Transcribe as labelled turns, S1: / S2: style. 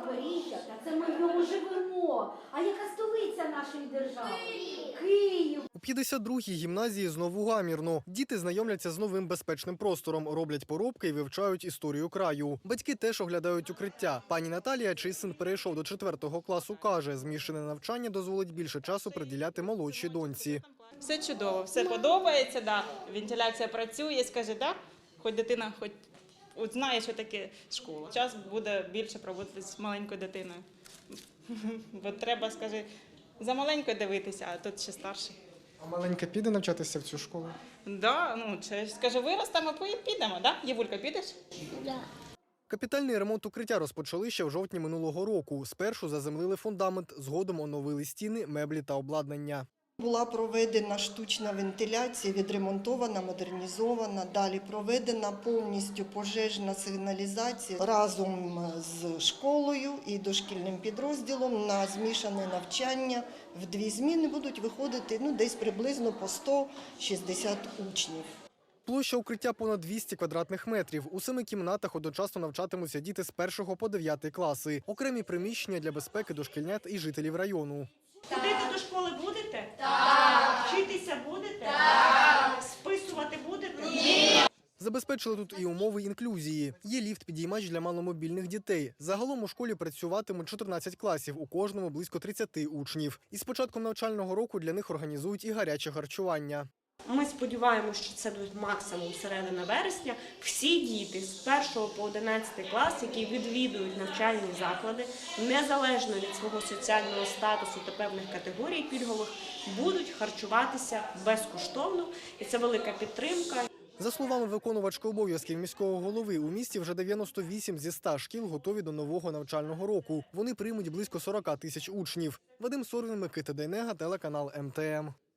S1: Запоріжжя, та це ми в ньому живемо. А яка столиця нашої держави? Київ.
S2: У 52-й гімназії знову гамірно. Діти знайомляться з новим безпечним простором, роблять поробки і вивчають історію краю. Батьки теж оглядають укриття. Пані Наталія, чий син перейшов до 4-го класу, каже, змішане навчання дозволить більше часу приділяти молодшій доньці.
S3: Все чудово, все подобається, да. Вентиляція працює, скаже, да, хоч дитина от знає, що таке школа. Час буде більше проводитися з маленькою дитиною. Бо треба, скаже, за маленькою дивитися, а тут ще старший.
S2: А маленька піде навчатися в цю школу?
S3: Да, ну, скаже, виростемо, підемо, да? Євулька, підеш?
S4: Да.
S2: Капітальний ремонт укриття розпочали ще в жовтні минулого року. Спершу заземлили фундамент, згодом оновили стіни, меблі та обладнання.
S5: Була проведена штучна вентиляція, відремонтована, модернізована. Далі проведена повністю пожежна сигналізація разом з школою і дошкільним підрозділом на змішане навчання. В 2 зміни будуть виходити десь приблизно по 160 учнів.
S2: Площа укриття понад 200 квадратних метрів. У 7 кімнатах одночасно навчатимуться діти з 1 по 9 класи. Окремі приміщення для безпеки дошкільнят і жителів району.
S6: Ходити до школи будете? Так. Вчитися будете? Так. Списувати будете? Ні.
S2: Забезпечили тут і умови інклюзії. Є ліфт-підіймач для маломобільних дітей. Загалом у школі працюватиме 14 класів, у кожному близько 30 учнів. І з початком навчального року для них організують і гаряче харчування.
S6: Ми сподіваємося, що це буде максимум середина вересня. Всі діти з 1 по 11 клас, які відвідують навчальні заклади, незалежно від свого соціального статусу та певних категорій пільгових, будуть харчуватися безкоштовно. І це велика підтримка.
S2: За словами виконувачки обов'язків міського голови, у місті вже 98 зі 100 шкіл готові до нового навчального року. Вони приймуть близько 40 тисяч учнів. Вадим Сорвін, Микита Дейнега, телеканал МТМ.